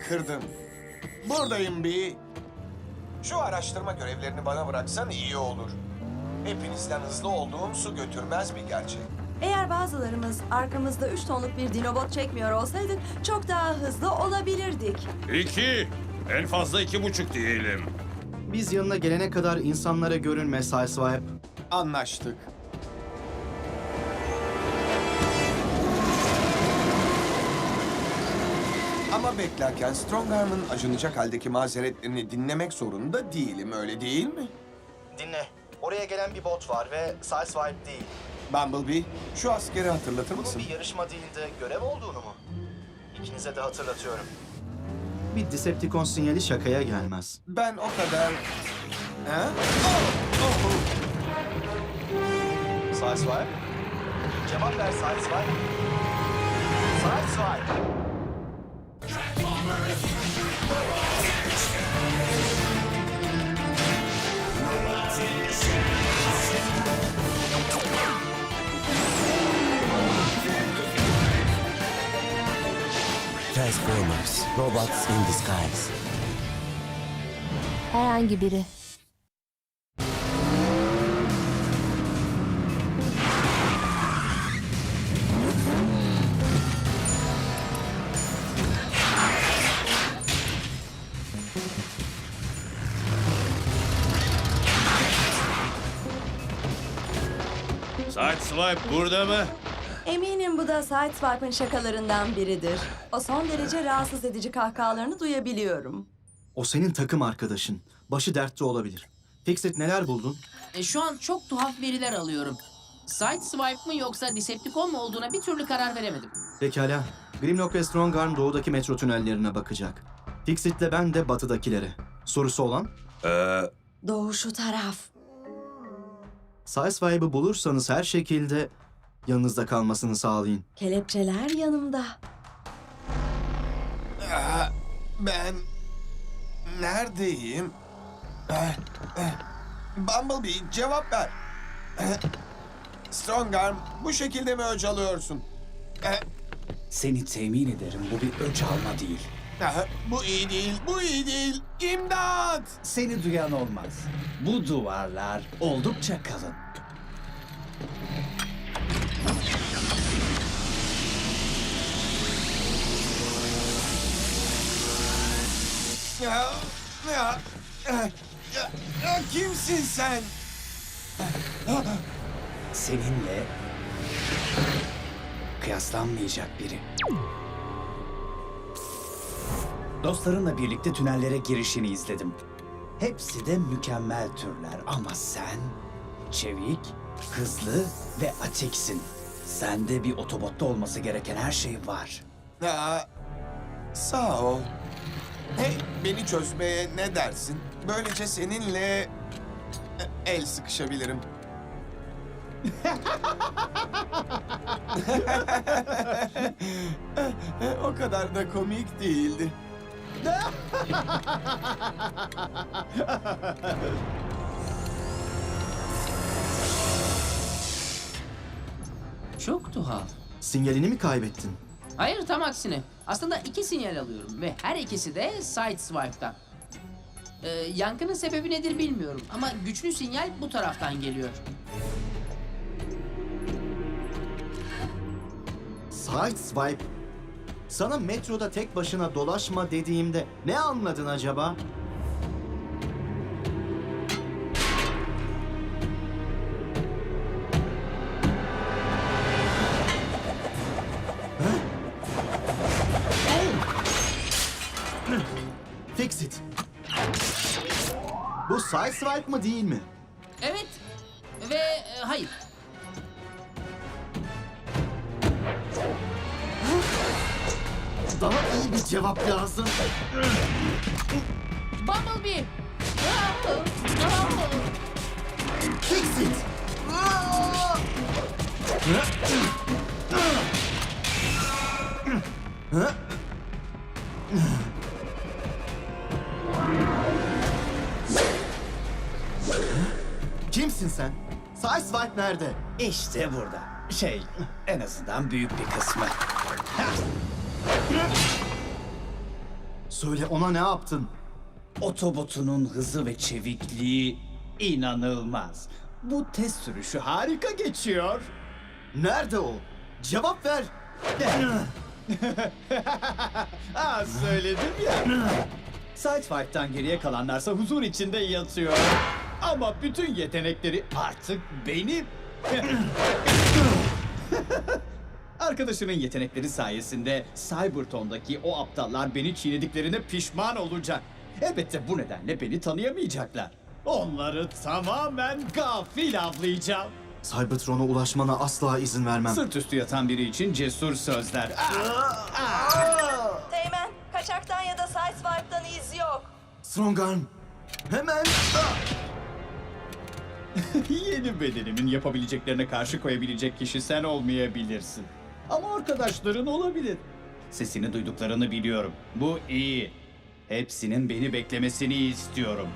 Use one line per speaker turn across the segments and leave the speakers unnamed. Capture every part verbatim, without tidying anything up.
kırdın. Buradayım bir. Şu araştırma görevlerini bana bıraksan iyi olur. Hepinizden hızlı olduğum su götürmez bir gerçek.
Eğer bazılarımız arkamızda üç tonluk bir dinobot çekmiyor olsaydık çok daha hızlı olabilirdik.
İki. En fazla iki buçuk diyelim.
Biz yanına gelene kadar insanlara görünme Sideswipe.
Anlaştık. Ama beklerken Strongarm'ın acınacak haldeki mazeretlerini dinlemek zorunda değilim, öyle değil mi?
Dinle. Oraya gelen bir bot var ve Sideswipe değil.
Bumblebee, şu askeri hatırlatır
Bunun
mısın?
bir yarışma değil de görev olduğunu mu? İkinize de hatırlatıyorum.
Bir Decepticon sinyali şakaya gelmez.
Ben o kadar... Ha? Oh, oh, oh.
Sideswipe? Cevap ver Sideswipe. Sideswipe!
Transformers, robots in disguise.
Herhangi biri.
Sideswipe burada mı?
Eminim bu da Sideswipe'ın şakalarından biridir. O son derece rahatsız edici kahkahalarını duyabiliyorum.
O senin takım arkadaşın. Başı dertte olabilir. Fixit neler buldun?
E, şu an çok tuhaf veriler alıyorum. Sideswipe mı yoksa Decepticon mu olduğuna bir türlü karar veremedim.
Pekala. Grimlock ve Strongarm doğudaki metro tünellerine bakacak. Fixit'le ben de batıdakilere. Sorusu olan?
Ee,
Doğu şu taraf.
Sideswipe'ı bulursanız her şekilde yanınızda kalmasını sağlayın.
Kelepçeler yanımda.
Ah, ben... Neredeyim? Ah, ah. Bumblebee, cevap ver. Ah, Strongarm, bu şekilde mi öc alıyorsun? Ah,
Seni temin ederim bu bir öç alma değil.
ah, bu iyi değil, bu iyi değil. İmdat!
Seni duyan olmaz. Bu duvarlar oldukça kalın.
Ya, ya, ya, ya, ya, kimsin sen?
Seninle kıyaslanmayacak biri. Dostlarınla birlikte tünellere girişini izledim. Hepsi de mükemmel türler ama sen çevik, hızlı ve atiksin. Sende bir otobotta olması gereken her şey var.
Ya, sağ ol. Hey, beni çözmeye ne dersin? Böylece seninle e, el sıkışabilirim. O kadar da komik değildi.
Çok tuhaf.
Sinyalini mi kaybettin?
Hayır, tam aksine. Aslında iki sinyal alıyorum ve her ikisi de Sideswipe'dan. Ee, yankının sebebi nedir bilmiyorum ama güçlü sinyal bu taraftan geliyor.
Sideswipe. Sana metroda tek başına dolaşma dediğimde ne anladın acaba? Fixit. Bu Sideswipe mı değil mi?
Evet ve e, hayır.
Daha iyi bir cevap lazım.
Bumblebee!
Fixit. Kimsin sen? Sideswipe nerede?
İşte burada. Şey, en azından büyük bir kısmı.
Söyle, ona ne yaptın?
Otobotunun hızı ve çevikliği inanılmaz. Bu test sürüşü harika geçiyor.
Nerede o? Cevap ver.
Aa, söyledim ya. Sideswipe'tan geriye kalanlarsa huzur içinde yatıyor. Ama bütün yetenekleri artık benim. Arkadaşının yetenekleri sayesinde Cybertron'daki o aptallar beni çiğnediklerine pişman olacak. Elbette bu nedenle beni tanıyamayacaklar. Onları tamamen gafil avlayacağım.
Cybertron'a ulaşmana asla izin vermem.
Sırt üstü yatan biri için cesur sözler.
Teğmen, kaçaktan ya da Sideswipe'dan iz yok.
Strongarm, hemen...
Yeni bedenimin yapabileceklerine karşı koyabilecek kişi sen olmayabilirsin. Ama arkadaşların olabilir. Sesini duyduklarını biliyorum. Bu iyi. Hepsinin beni beklemesini istiyorum.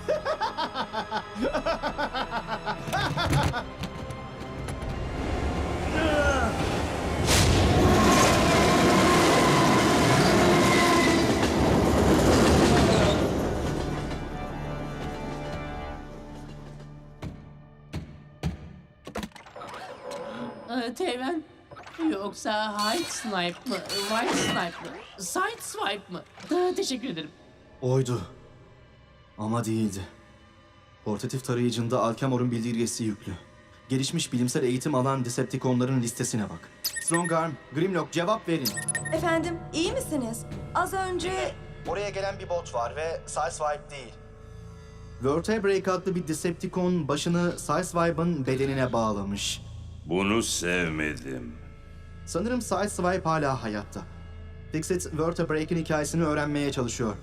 Ee, Teğmen. Yoksa Hide Snipe mı? White Snipe mı? Side Swipe mı? Ee, teşekkür ederim.
Oydu. Ama değildi. Portatif tarayıcında Alchemor'un bildirgesi yüklü. Gelişmiş bilimsel eğitim alan Decepticonların listesine bak. Strongarm, Grimlock, cevap verin.
Efendim, iyi misiniz? Az önce...
Oraya gelen bir bot var ve Sideswipe değil.
Vertebrake adlı bir Decepticon başını Sideswipe'ın bedenine bağlamış.
Bunu sevmedim.
Sanırım Sideswipe hala hayatta. Fixit, Vertebrake'in hikayesini öğrenmeye çalışıyor.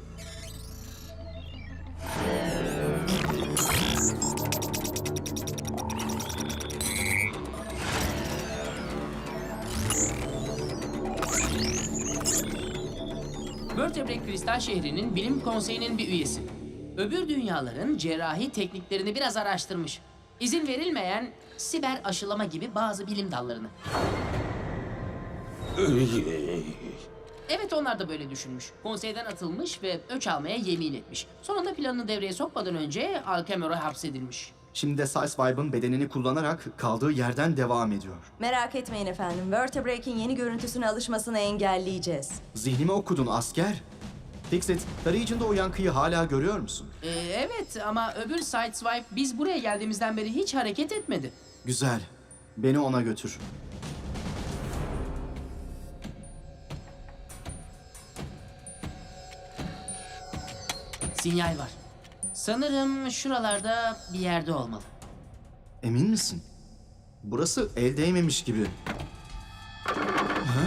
Vertebrate Kristal şehrinin bilim konseyinin bir üyesi. Öbür dünyaların cerrahi tekniklerini biraz araştırmış. İzin verilmeyen siber aşılama gibi bazı bilim dallarını. Evet, onlar da böyle düşünmüş. Konseyden atılmış ve öç almaya yemin etmiş. Sonunda planını devreye sokmadan önce Alchemor'a hapsedilmiş.
Şimdi de Sideswipe'ın bedenini kullanarak kaldığı yerden devam ediyor.
Merak etmeyin efendim, Vertebrake'in yeni görüntüsüne alışmasını engelleyeceğiz.
Zihnimi okudun asker. Fixit, tarayıcında o yankıyı hala görüyor musun?
Ee, evet ama öbür Sideswipe biz buraya geldiğimizden beri hiç hareket etmedi.
Güzel. Beni ona götür.
Sinyal var. Sanırım şuralarda bir yerde olmalı.
Emin misin? Burası el değmemiş gibi. Ha?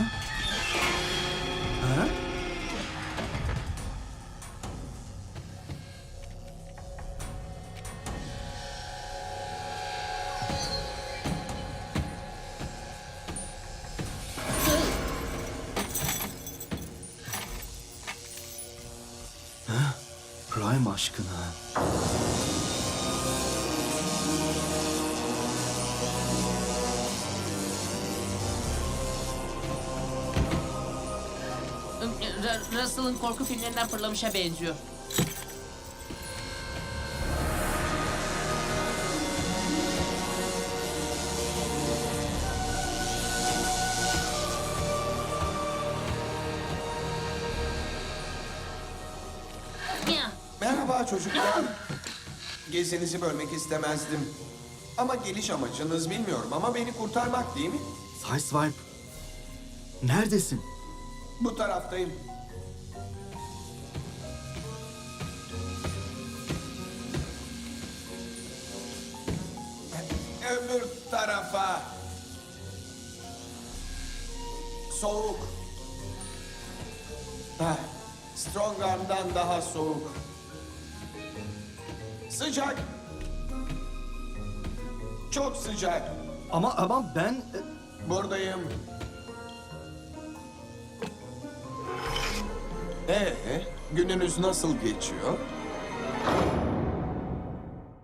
Ha? Ha? Prime aşkına.
R- Russell'ın korku filmlerinden fırlamışa benziyor. Ya.
Merhaba çocuklar. Gezinizi bölmek istemezdim. Ama geliş amacınız bilmiyorum ama beni kurtarmak değil mi?
Sideswipe. Neredesin?
Bu taraftayım. Öbür tarafa. Soğuk. Heh, Strongarm'dan daha soğuk. Sıcak. Çok sıcak.
Ama ama ben...
Buradayım. Ee, gününüz nasıl geçiyor?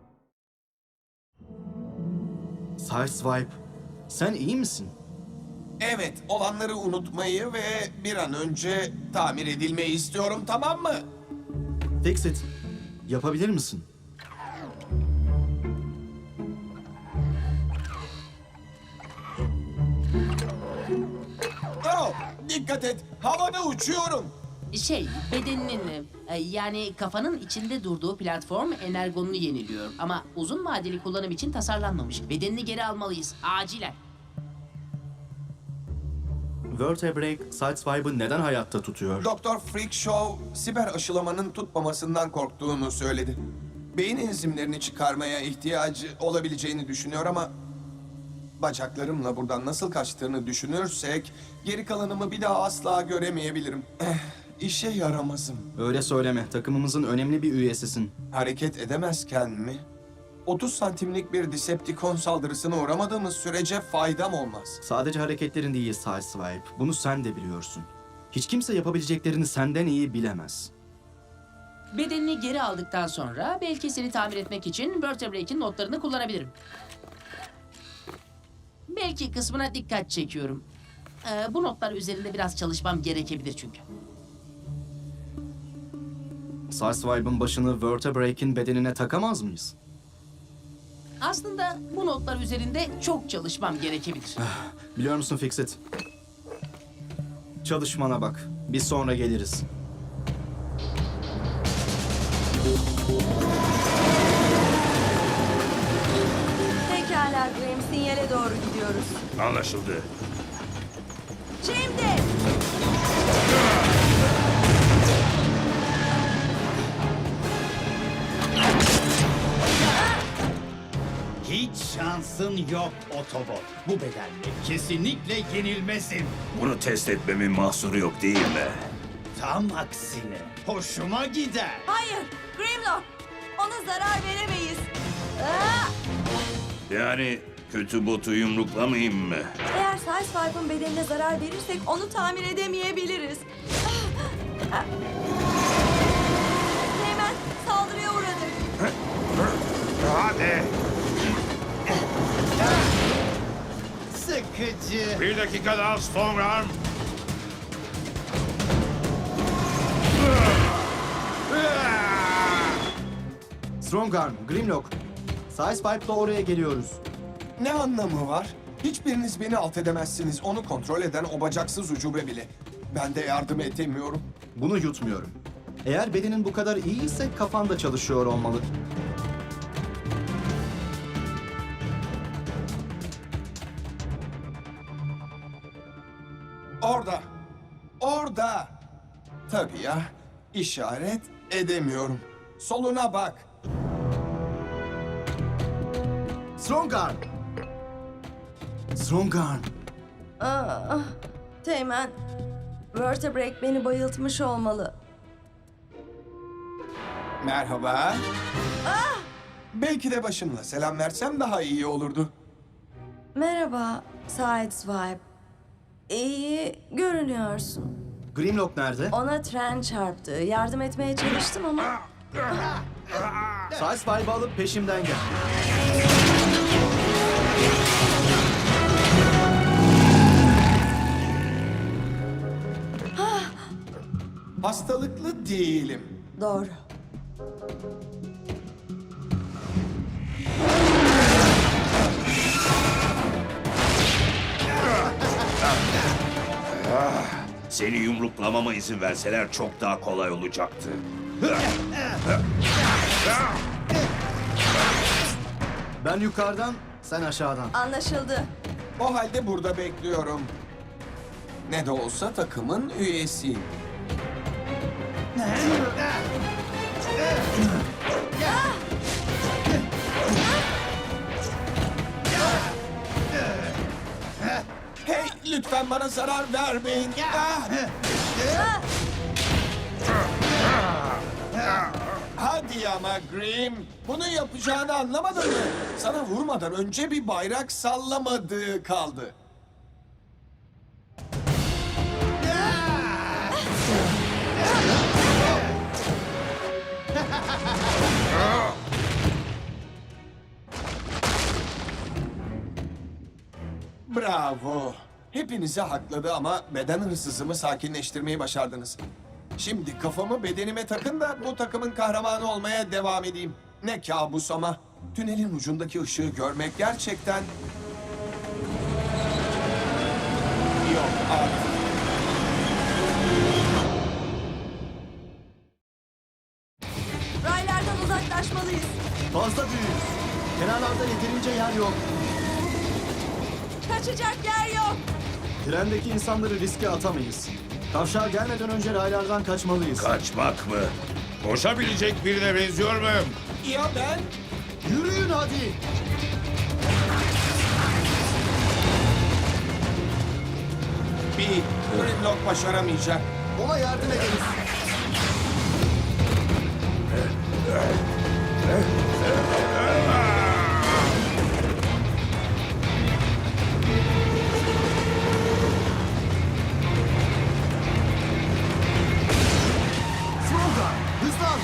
Sideswipe, sen iyi misin?
Evet, olanları unutmayı ve bir an önce tamir edilmeyi istiyorum, tamam mı?
Fix-It, yapabilir misin?
Oh, dikkat et, havada uçuyorum.
Şey, bedeninin e, yani kafanın içinde durduğu platform energonunu yeniliyor. Ama uzun vadeli kullanım için tasarlanmamış. Bedenini geri almalıyız. Acilen.
Vertebrae Sideswipe'ı neden hayatta tutuyor?
Doktor Freakshow, siber aşılamanın tutmamasından korktuğunu söyledi. Beyin enzimlerini çıkarmaya ihtiyacı olabileceğini düşünüyor ama... bacaklarımla buradan nasıl kaçtığını düşünürsek... geri kalanımı bir daha asla göremeyebilirim. Eh, işe yaramazım.
Öyle söyleme, takımımızın önemli bir üyesisin.
Hareket edemezken mi? otuz santimlik bir Decepticon saldırısına uğramadığımız sürece faydam olmaz.
Sadece hareketlerin değil Sideswipe, bunu sen de biliyorsun. Hiç kimse yapabileceklerini senden iyi bilemez.
Bedenini geri aldıktan sonra belki seni tamir etmek için Vertebrae'in notlarını kullanabilirim. Belki kısmına dikkat çekiyorum. Ee, bu notlar üzerinde biraz çalışmam gerekebilir çünkü.
Sideswipe'ın başını Vertebrae'in bedenine takamaz mıyız?
Aslında bu notlar üzerinde çok çalışmam gerekebilir.
Biliyor musun Fix-It? Çalışmana bak, biz sonra geliriz.
Pekala Grim, sinyale doğru gidiyoruz.
Anlaşıldı.
Şimdi!
Hiç şansın yok Autobot. Bu bedenle kesinlikle yenilmezsin.
Bunu test etmemin mahsuru yok değil mi?
Tam aksine hoşuma gider.
Hayır, Grimlock! Ona zarar veremeyiz. Aa!
Yani kötü botu yumruklamayayım mı?
Eğer Sideswipe'ın bedenine zarar verirsek onu tamir edemeyebiliriz. Hemen saldırıya uğradık.
Hadi.
Sıkıcı.
Bir dakika daha Stormarm.
Strongarm, Grimlock, Sideswipe'la oraya geliyoruz.
Ne anlamı var? Hiçbiriniz beni alt edemezsiniz. Onu kontrol eden o bacaksız ucube bile. Ben de yardım edemiyorum.
Bunu yutmuyorum. Eğer bedenin bu kadar iyiyse kafan da çalışıyor olmalı.
Orada. Orada. Tabii ya. İşaret edemiyorum. Soluna bak.
Strongarm! Strongarm!
Aa, Teğmen, Vertebrae beni bayıltmış olmalı.
Merhaba. Belki de başımla selam versem daha iyi olurdu.
Merhaba, Sideswipe. İyi görünüyorsun.
Grimlock nerede?
Ona tren çarptı. Yardım etmeye çalıştım ama...
Sideswipe'ı alıp peşimden gel.
Hastalıklı değilim.
Doğru.
Seni yumruklamama izin verseler çok daha kolay olacaktı.
Ben yukarıdan, sen aşağıdan.
Anlaşıldı.
O halde burada bekliyorum. Ne de olsa takımın üyesiyim. Hey, lütfen bana zarar vermeyin. Ah! Hadi ama Grim. Bunu yapacağını anlamadın mı? Sana vurmadan önce bir bayrak sallamadığı kaldı. Bravo. Hepinizi hakladı ama beden hırsızımı sakinleştirmeyi başardınız. Şimdi kafamı bedenime takın da bu takımın kahramanı olmaya devam edeyim. Ne kabus ama. Tünelin ucundaki ışığı görmek gerçekten... Yok artık.
Raylardan uzaklaşmalıyız.
Fazla büyük. Kenarlarda yeterince yer yok.
Kaçacak yer yok.
Trendeki insanları riske atamayız. Kavşağa gelmeden önce raylardan kaçmalıyız.
Kaçmak mı? Koşabilecek birine benziyor muyum?
Ya ben?
Yürüyün hadi.
Bir Grimlock başaramayacak.
Ona yardım ederiz. Smoker, hızlan.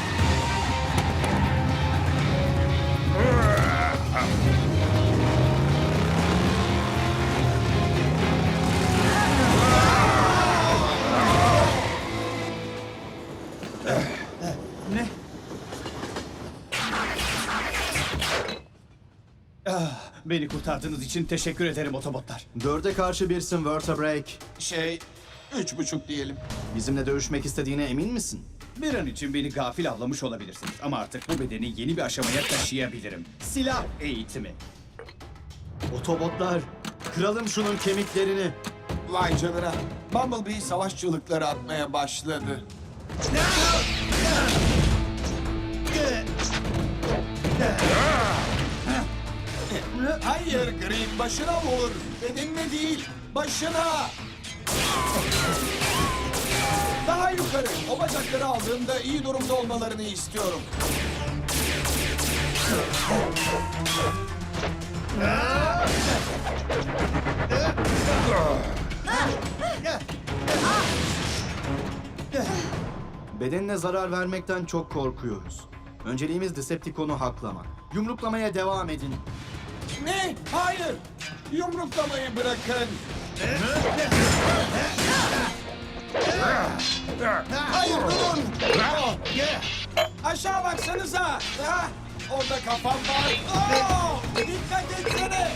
Ne? Ah, beni kurtardığınız için teşekkür ederim otobotlar.
Dörde karşı birsin Vertebrake.
Şey, üç buçuk diyelim.
Bizimle dövüşmek istediğine emin misin?
Bir an için beni gafil avlamış olabilirsiniz ama artık bu bedeni yeni bir aşamaya taşıyabilirim. Silah eğitimi.
Otobotlar, kıralım şunun kemiklerini.
Vay canına. Bumblebee savaş çığlıkları atmaya başladı. Hayır Green, başına vur. Bedenine değil, başına. Daha yukarı. O bacakları aldığımda iyi durumda olmalarını istiyorum.
Bedenine zarar vermekten çok korkuyoruz. Önceliğimiz Decepticon'u haklamak. Yumruklamaya devam edin.
Ne? Hayır. Yumruklamayı bırakın. Hayır durun. Aşağı baksanıza. Ha? Orada kafam var. Oo! Dikkat etsene.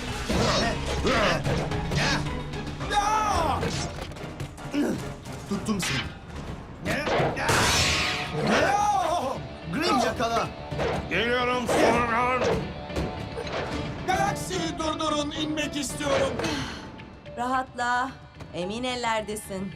Ya!
Tuttum seni.
Ya!
Grim yakala.
Geliyorum sonra.
Galaksiyi durdurun, inmek istiyorum.
Rahatla. Emin ellerdesin.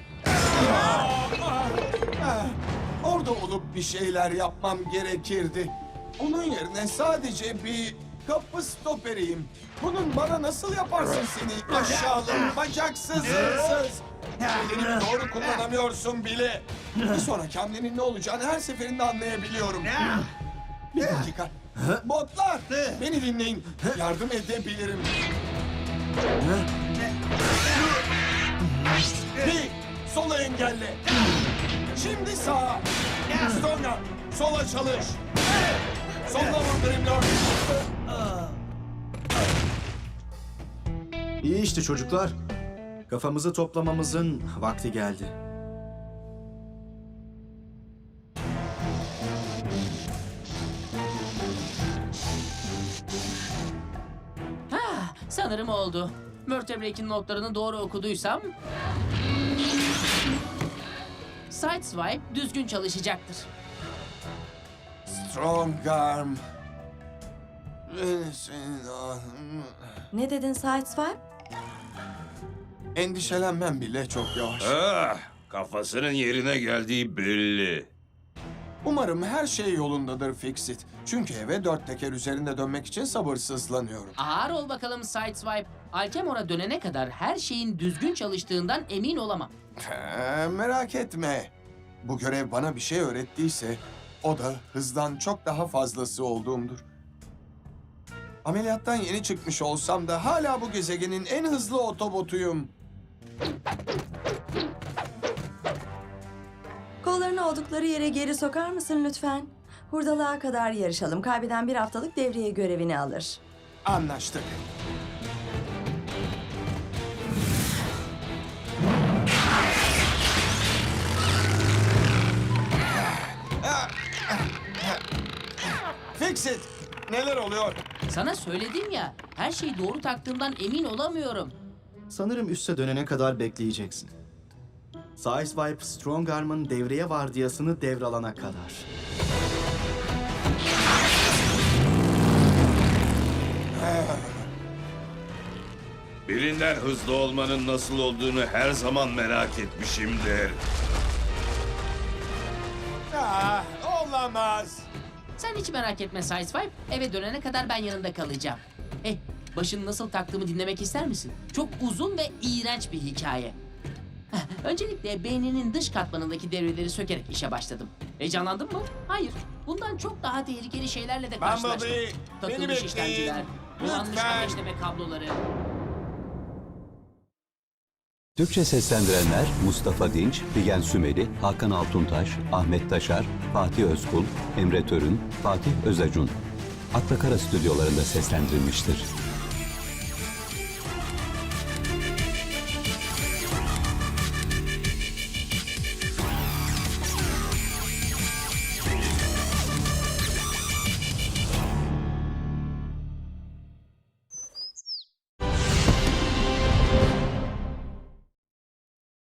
Ah, Orada olup bir şeyler yapmam gerekirdi. Onun yerine sadece bir kapı stoperiyim. Bunun bana nasıl yaparsın seni aşağılık, bacaksız, hırsız? Bedenimi doğru kullanamıyorsun bile. Bir sonraki hamlenin ne olacağını her seferinde anlayabiliyorum. Bir dakika. Botlar, beni dinleyin. Yardım edebilirim. Bir, sola engelle. Şimdi sağa. Sonra sola çalış. Sola vur Grimlock.
İyi işte çocuklar. Kafamızı toplamamızın vakti geldi.
Ha, sanırım oldu. Vertebrake'in notlarını doğru okuduysam... Sideswipe düzgün çalışacaktır.
Strong arm. Beni senin ahın-
Ne dedin Sideswipe?
Endişelenmem bile çok yavaş.
Ah, kafasının yerine geldiği belli.
Umarım her şey yolundadır Fixit. Çünkü eve dört teker üzerinde dönmek için sabırsızlanıyorum.
Ağır ol bakalım Sideswipe. Alkemor'a dönene kadar her şeyin düzgün çalıştığından emin olamam.
Ee, merak etme. Bu görev bana bir şey öğrettiyse o da hızdan çok daha fazlası olduğumdur. Ameliyattan yeni çıkmış olsam da hala bu gezegenin en hızlı otobotuyum.
Kollarını oldukları yere geri sokar mısın lütfen? Hurdalığa kadar yarışalım. Kaybeden bir haftalık devriye görevini alır.
Anlaştık. Fix it. Neler oluyor?
Sana söyledim ya, her şeyi doğru taktığımdan emin olamıyorum.
Sanırım üste dönene kadar bekleyeceksin. Sideswipe, Strongarm'ın devreye vardiyasını devralana kadar.
Birinden hızlı olmanın nasıl olduğunu her zaman merak etmişimdir.
Ah, olamaz.
Sen hiç merak etme Sideswipe, eve dönene kadar ben yanında kalacağım. Eh, başını nasıl taktığımı dinlemek ister misin? Çok uzun ve iğrenç bir hikaye. Heh, Öncelikle beyninin dış katmanındaki devreleri sökerek işe başladım. Heyecanlandın mı? Hayır. Bundan çok daha tehlikeli şeylerle de karşılaştım.
Bumblebee, beni
Takılmış
bekleyin.
işlemciler, bulanmış
Lütfen.
ateşleme kabloları.
Türkçe seslendirenler Mustafa Dinç, Figen Sümeli, Hakan Altuntaş, Ahmet Taşar, Fatih Özkul, Emre Törün, Fatih Özacun. Akla Kara stüdyolarında seslendirilmiştir.